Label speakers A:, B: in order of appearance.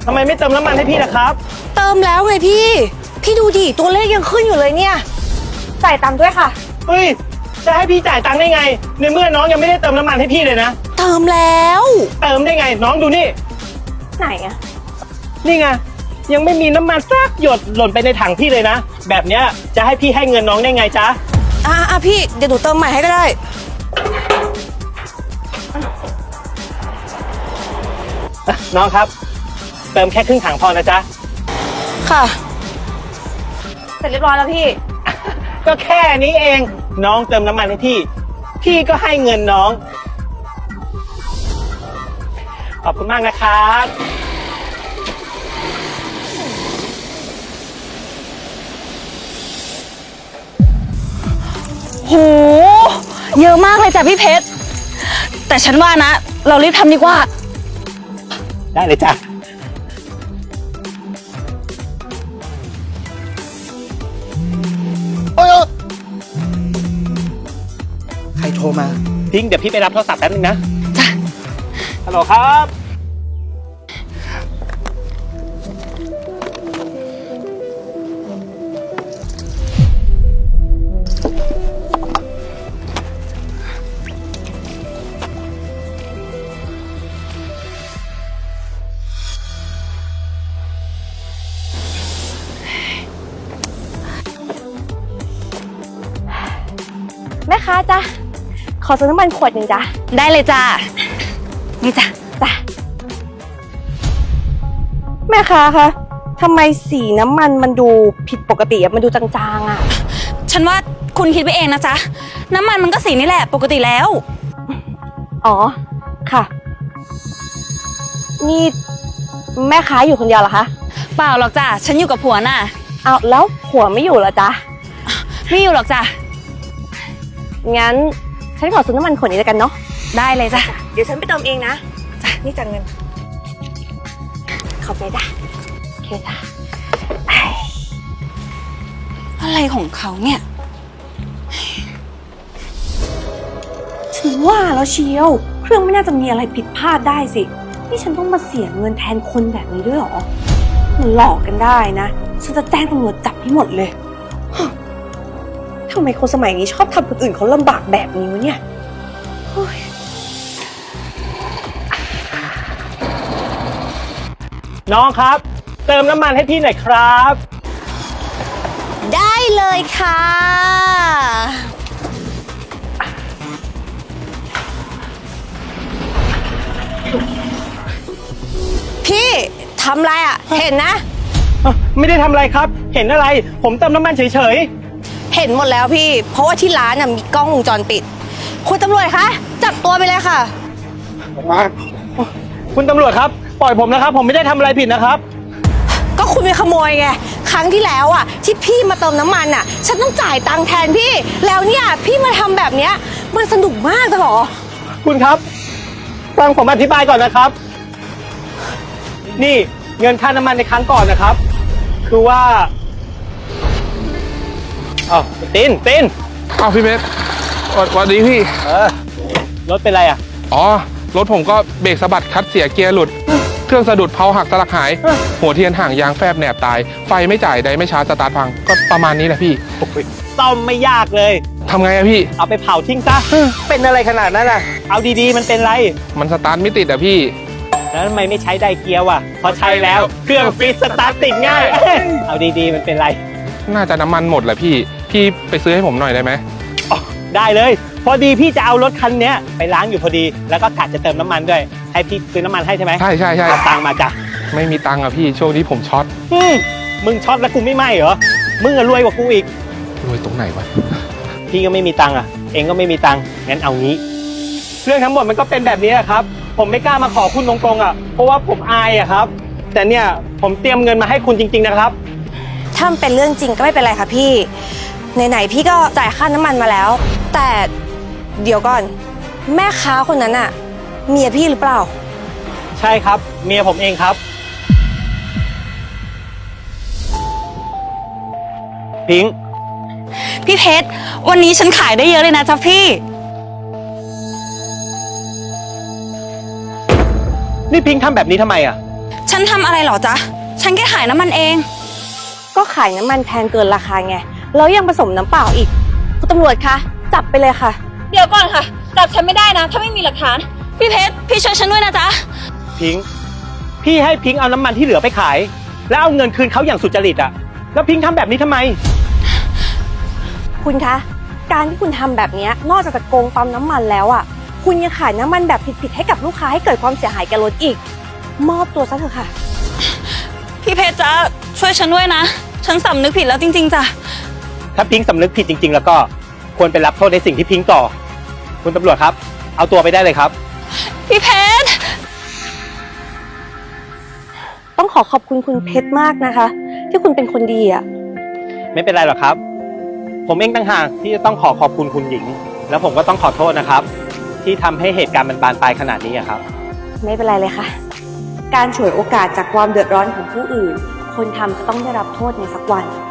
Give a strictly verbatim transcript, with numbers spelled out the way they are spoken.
A: ทำไมไม่เติมน้ำมันให้พี่ล่ะครับ
B: เติมแล้วไงพี่ พี่ดูดิตัวเลขยังขึ้นอยู่เลยเนี่ยจ่ายตังค์ด้วยค่ะ
A: เฮ้ยจะให้พี่จ่ายตังค์ได้ไงในเมื่อน้องยังไม่ได้เติมน้ำมันให้พี่เลยนะ
B: เติมแล้ว
A: เติมได้ไงน้องดูนี่
B: ไหนอะ
A: นี่ไงยังไม่มีน้ำมันสักหยดหล่นไปในถังพี่เลยนะแบบเนี้ยจะให้พี่ให้เงินน้องได้ไงจ๊ะ
B: อ่าอ่ะพี่เดี๋ยวหนูเติมใหม่ให้ก็ได้
A: น้องครับเติมแค่ครึ่งถังพอนะจ๊ะ
B: ค่ะเสร็จเรียบร้อยแล้วพี่
A: ก็แค่นี้เองน้องเติมน้ำมันให้พี่พี่ก็ให้เงินน้องขอบคุณมากนะครับ
B: โหเยอะมากเลยจ้ะพี่เพชรแต่ฉันว่านะเรารีบทำดีกว่า
A: ได้เลยจ้ะโอ้ยใครโทรมาพิงเดี๋ยวพี่ไปรับโทรศัพท์แป๊บนึงนะ
B: จ้ะ
A: ฮัลโหลครับ
B: แม่ค้าจ้ะขอซื้อน้ำมันขวดหนึ่งจ้ะได้เลยจ้ะนี่จ้ะจ้ะแม่ค้าคะทำไมสีน้ำมันมันดูผิดปกติอะมันดูจางๆอะฉันว่าคุณคิดไปเองนะจ๊ะน้ำมันมันก็สีนี่แหละปกติแล้วอ๋อค่ะนี่แม่ค้าอยู่คนเดียวเหรอคะเปล่าหรอกจ้ะฉันอยู่กับผัวน่ะเอาแล้วผัวไม่อยู่เหรอจ๊ะไม่อยู่หรอกจ้ะงั้นฉันขอซื้อน้ำมันขวดนี้แล้วกันเนาะได้เลยจ้ะเดี๋ยวฉันไปเติมเองนะจ้ะนี่จ่ายเงินขอบใจจ้ะโอเคจ้ะอะไรของเขาเนี่ยฉันว่าแล้วเชียวเครื่องไม่น่าจะมีอะไรผิดพลาดได้สินี่ฉันต้องมาเสียเงินแทนคนแบบนี้ด้วยหรอมันหลอกกันได้นะฉันจะแจ้งตำรวจจับให้หมดเลยทำไมคนสมัยนี้ชอบทำคนอื่นเขาลำบากแบบนี้วะเนี่ย
A: น้องครับเติมน้ำมันให้พี่หน่อยครับ
B: ได้เลยค่ะพี่ทำอะไรอ่ะเห็นนะ
A: ไม่ได้ทำอะไรครับเห็นอะไรผมเติมน้ำมันเฉย
B: ๆเห็นหมดแล้วพี่เพราะว่าที่ร้านน่ะมีกล้องวงจรปิดคุณตำรวจคะจับตัวไปเลยค่ะ
A: มาคุณตำรวจครับปล่อยผมนะครับผมไม่ได้ทำอะไรผิดนะครับ
B: ก็คุณไปขโมยไงครั้งที่แล้วอ่ะที่พี่มาเติมน้ำมันอ่ะฉันต้องจ่ายตังค์แทนพี่แล้วเนี่ยพี่มาทำแบบเนี้ยมันสนุกมากเลยเหรอ
A: คุณครับฟังผมอธิบายก่อนนะครับนี่เงินค่าน้ำมันในครั้งก่อนนะครับคือว่าอ้าวตินติน
C: อ้าวพี่เพชรสวัสดีพี่
A: เออรถเป็นไรอ่ะ
C: อ๋อรถผมก็เบรกสะบัดคัดเสียเกียร์หลุดเครื่องสะดุดเพลาหักสลักหายหัวเทียนห่างยางแฟบแหนบตายไฟไม่จ่ายใดไม่ชาร์จสตาร์ทพังก็ประมาณนี้แหละพี่
A: ซ่อมไม่ยากเลย
C: ทำไงอะพี่
A: เอาไปเผาทิ้งซะเป็นอะไรขนาดนั้นอ่ะเอาดีๆมันเป็นไร
C: มันสตาร์ทไม่ติดอะพี่
A: แล้วทำไมไม่ใช้ไดเกียร์วะพอใช้แล้วเครื่องฟิตสตาร์ทติดง่ายเอาดีๆมันเป็นไร
C: น่าจะน้ำมันหมดแหละพี่พี่ไปซื้อให้ผมหน่อยได้ไหม
A: ได้เลยพอดีพี่จะเอารถคันนี้ไปล้างอยู่พอดีแล้วก็กะจะเติมน้ำมันด้วยให้พี่ซื้อน้ำมันให้ใช่ไหม
C: ใช่ใช่ใช่
A: เอาตังค์มาจ้ะ
C: ไม่มีตังค์อะพี่ช่วงนี้ผมช็อต
A: มึงช็อตแล้วกูไม่ไหมเหรอมึงอะรวยกว่ากูอีก
C: รวยตรงไหนวะ
A: พี่ก็ไม่มีตังค์อะเองก็ไม่มีตังค์งั้นเอางี้เรื่องทั้งหมดมันก็เป็นแบบนี้ครับผมไม่กล้ามาขอคุณตรงๆอะเพราะว่าผมอายอะครับแต่เนี่ยผมเตรียมเงินมาให้คุณจริงๆนะครับ
B: ถ้ามันเป็นเรื่องจริงก็ไม่เป็นไรค่ะพี่ไหนๆพี่ก็จ่ายค่าน้ำมันมาแล้วแต่เดี๋ยวก่อนแม่ค้าคนนั้นอะเมียพี่หรือเปล่า
A: ใช่ครับเมียผมเองครับพิงค์
B: พี่เพชรวันนี้ฉันขายได้เยอะเลยนะจ๊ะพี่
A: นี่พิงค์ทำแบบนี้ทำไมอ่ะ
B: ฉันทำอะไรเหรอจ๊ะฉันแค่ขายน้ำมันเองก็ขายน้ำมันแพงเกินราคาไงแล้วยังผสมน้ำเปล่าอีกคุณตำรวจคะจับไปเลยค่ะเดี๋ยวก่อนค่ะจับฉันไม่ได้นะถ้าไม่มีหลักฐานพี่เพชรพี่ช่วยฉันด้วยนะจ๊ะ
A: พิงค์พี่ให้พิงค์เอาน้ำมันที่เหลือไปขายแล้วเอาเงินคืนเขาอย่างสุจริตอะแล้วพิงค์ทำแบบนี้ทำไม
B: คุณคะการที่คุณทำแบบนี้นอกจากจะโกงปั๊มน้ำมันแล้วอ่ะคุณยังขายน้ำมันแบบผิดๆให้กับลูกค้าให้เกิดความเสียหายแก่รถอีกมอบตัวซะเถอะค่ะพี่เพชรจ๊ะช่วยฉันด้วยนะฉันสำนึกผิดแล้วจริงๆจ้ะ
A: ถ้าพิงค์สำนึกผิดจริงๆแล้วก็ควรไปรับโทษในสิ่งที่พิงค์ก่อคุณตำรวจครับเอาตัวไปได้เลยครับ
B: พี่เพชรต้องขอขอบคุณคุณเพชรมากนะคะที่คุณเป็นคนดีอ่ะ
A: ไม่เป็นไรหรอกครับผมเองต่างหากที่จะต้องขอขอบคุณคุณหญิงแล้วผมก็ต้องขอโทษนะครับที่ทำให้เหตุการณ์มันบานปลายขนาดนี้ครับ
B: ไม่เป็นไรเลยค่ะการฉวยโอกาสจากความเดือดร้อนของผู้อื่นคนทำจะต้องได้รับโทษในสักวัน